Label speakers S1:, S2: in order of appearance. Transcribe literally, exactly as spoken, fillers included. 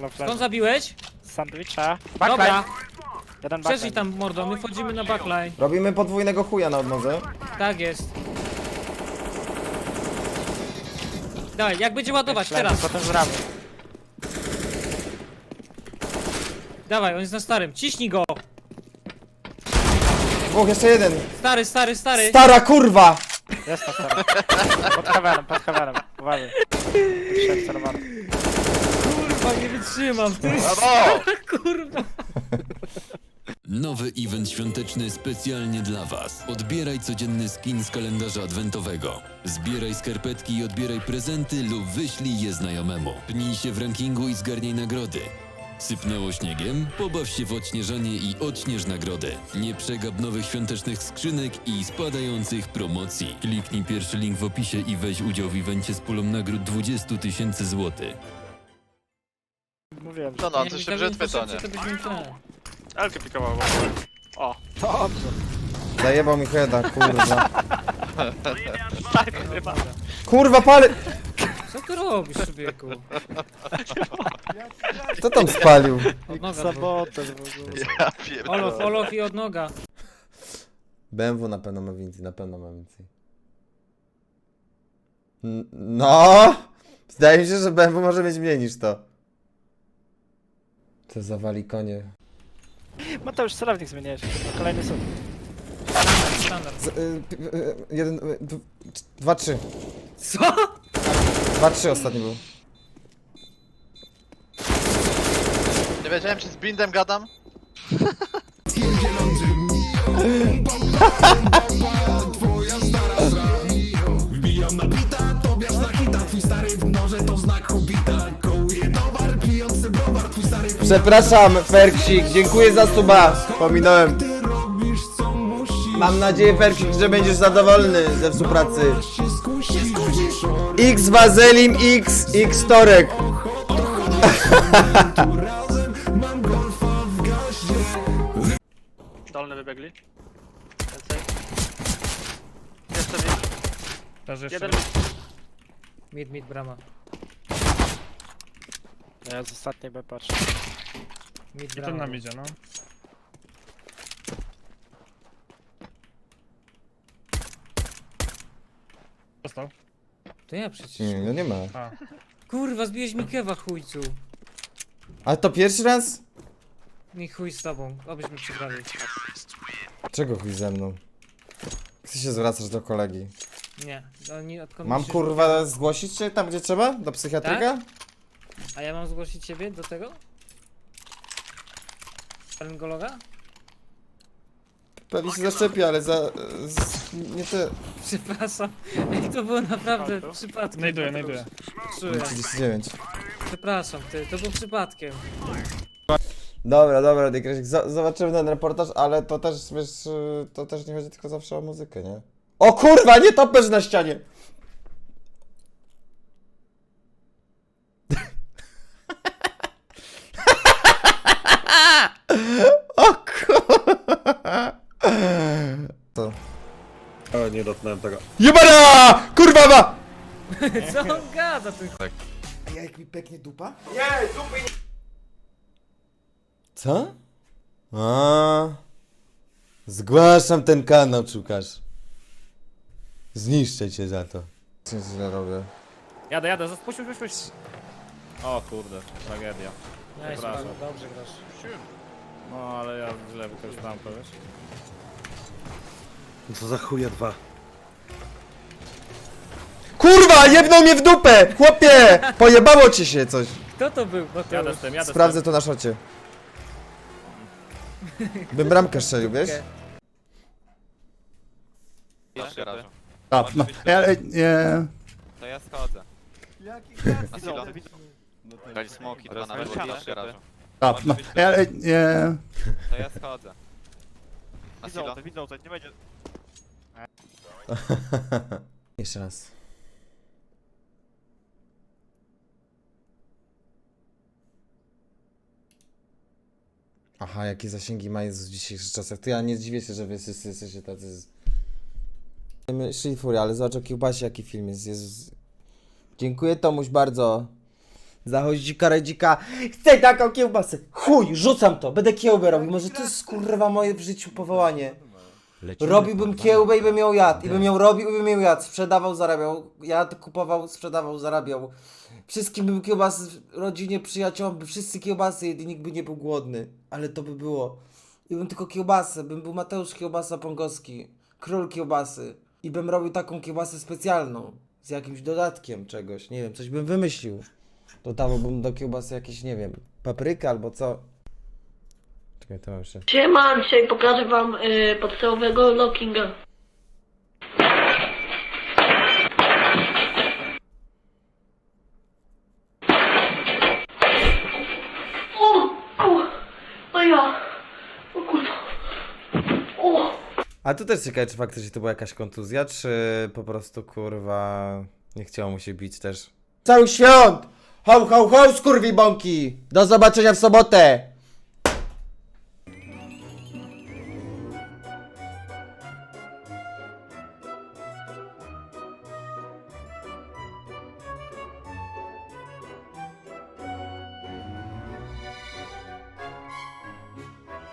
S1: na
S2: Skąd
S1: flash.
S2: zabiłeś?
S1: Sandwicha.
S2: Dobra,
S1: Backline. Jeden
S2: przeżyj
S1: backline.
S2: tam mordo, my wchodzimy na backline.
S3: Robimy podwójnego chuja na odnodze.
S2: Tak jest. Dawaj, jak będzie ładować,
S1: Flash,
S2: teraz.
S1: Potem z ramy.
S2: Dawaj, on jest na starym, ciśnij go.
S3: Dwóch, jeszcze jeden.
S2: Stary, stary, stary.
S3: Stara kurwa!
S1: Jest na stole. Pod heavenem, pod heavenem. Uważaj. Wszedł celowany.
S2: Kurwa, nie wytrzymam, ty.
S4: Brawo!
S2: Kurwa.
S5: Nowy event świąteczny specjalnie dla Was. Odbieraj codzienny skin z kalendarza adwentowego. Zbieraj skarpetki i odbieraj prezenty lub wyślij je znajomemu. Pnij się w rankingu i zgarnij nagrody. Sypnęło śniegiem? Pobaw się w odśnieżanie i odśnież nagrodę. Nie przegap nowych świątecznych skrzynek i spadających promocji. Kliknij pierwszy link w opisie i weź udział w evencie z pulą nagród dwadzieścia tysięcy złotych.
S1: Mówiłem, że...
S4: No no,
S2: Nie,
S4: to
S2: mi
S4: się
S2: tego
S4: brzytwy to
S2: info
S4: nie.
S2: to byśmy ten.
S1: Elkę pikował. O, dobrze.
S3: Zajebał mi heada, kurwa.
S1: Tak, chyba.
S3: Kurwa, pali...
S2: Co ty robisz, człowieku?
S3: Kto tam spalił?
S2: Od noga.
S1: Sabotaż w ogóle.
S4: Ja
S2: Olof,
S4: pierdolę.
S2: Olof i od noga.
S3: B M W na pewno ma więcej, na pewno ma więcej. N- No! Zdaje mi się, że B M W może mieć mniej niż to. Co zawali konie.
S1: Mateusz, celownik zmieniłeś. Kolejny sub.
S2: Standard.
S3: Z, y, p- y, jeden, y, d- dwa, trzy.
S2: Co?
S3: Dwa, trzy ostatni był.
S4: Nie wiedziałem, czy z Bindem gadam?
S3: Przepraszam, Ferksik, dziękuję za suba. Pominąłem. Mam nadzieję, Ferksik, że będziesz zadowolony ze współpracy. X Wazelim, X, X Torek.
S1: Dolny wybiegli. Więcej. Jeszcze mid. Jeden
S2: Mid, mid, brama.
S1: Ja z ostatniej B patrzę.
S2: Mid,
S6: I ten
S2: brama.
S6: nam idzie, no. Dostał.
S2: To ja przecież.
S3: Nie, no nie ma.
S6: A.
S2: Kurwa, zbiłeś mi kewa, chujcu.
S3: Ale to pierwszy raz?
S2: Nie chuj z tobą, obyśmy przegrali.
S3: Czego chuj ze mną? Chcę się zwracać do kolegi.
S2: Nie, no nie odkąd
S3: Mam
S2: myślisz,
S3: kurwa zgłosić cię tam gdzie trzeba? Do psychiatryka?
S2: A ja mam zgłosić ciebie do tego? Laryngologa?
S3: Pewnie się zaszczepi, ale za... Z, nie te...
S2: Przepraszam, Ej, to było naprawdę przypadkiem.
S6: Znajduję, znajduję.
S2: Czuję.
S3: trzydzieści dziewięć.
S2: Przepraszam, ty, to był przypadkiem.
S3: Dobra, dobra, Dykresik, zobaczymy ten reportaż, ale to też, wiesz, y, to też nie chodzi tylko zawsze o muzykę, nie? O kurwa, nie topesz na ścianie! O kurwa! To.
S7: O, nie dotknąłem tego.
S3: Jebana! Kurwa ma!
S2: Co on gada, ty?
S3: A jak mi peknie dupa? Nie, dupy nie... Co? A. Zgłaszam ten kanał, Czukasz. Zniszczę cię za to. Co źle robię?
S6: Jadę, jadę, puść, puść, puść. O kurde, tragedia.
S2: Nie,
S6: Przepraszam.
S2: dobrze grasz.
S6: No ale ja źle wykorzystałem to, wiesz?
S7: Co za chuja dwa.
S3: Kurwa, jebnął mnie w dupę! Chłopie! Pojebało ci się coś.
S2: Kto to był? Bo to
S6: Jadę z tym, jadę
S3: Sprawdzę
S6: z
S3: to na szocie. Bym bramkę strzelił, wiesz?
S4: W garażu.
S7: A, no, ja, nie.
S4: To ja schodzę. Na silo. Dali smoki, dwa na lewo w garażu.
S7: A, no, ja, nie.
S4: To ja schodzę. Na silo.
S3: Jeszcze raz. Aha, jakie zasięgi ma Jezus w dzisiejszych czasach. To ja nie dziwię się, że wy wszyscy jesteście tacy... Z... Szli furia, ale zobacz o kiełbasie jaki film jest. Jezus. Dziękuję Tomuś bardzo. Zachodzi dzika, redzika. Chcę taką kiełbasę. Chuj, rzucam to. Będę kiełbę robił. Może to jest kurwa moje w życiu powołanie. Robiłbym kiełbę i bym ją jadł. I bym ją robił i bym ją jadł. Sprzedawał, zarabiał. Jadł, kupował, sprzedawał, zarabiał. Wszystkim bym kiełbasy, rodzinie, przyjaciołom, by wszyscy kiełbasy jedli, nikt by nie był głodny. Ale to by było. I bym tylko kiełbasę. Bym był Mateusz Kiełbasa Pongowski. Król kiełbasy. I bym robił taką kiełbasę specjalną. Z jakimś dodatkiem czegoś. Nie wiem, coś bym wymyślił. Dodawałbym do kiełbasy jakieś, nie wiem, paprykę albo co. Czekaj, to mam jeszcze.
S8: Siema, dzisiaj pokażę wam y, podstawowego lockinga. O, o, no ja, o kurwa, o.
S3: A tu też ciekawe, czy faktycznie to była jakaś kontuzja, czy po prostu kurwa nie chciało mu się bić też. Cały świąt! Ho, ho, ho, skurwibąki! Do zobaczenia w sobotę!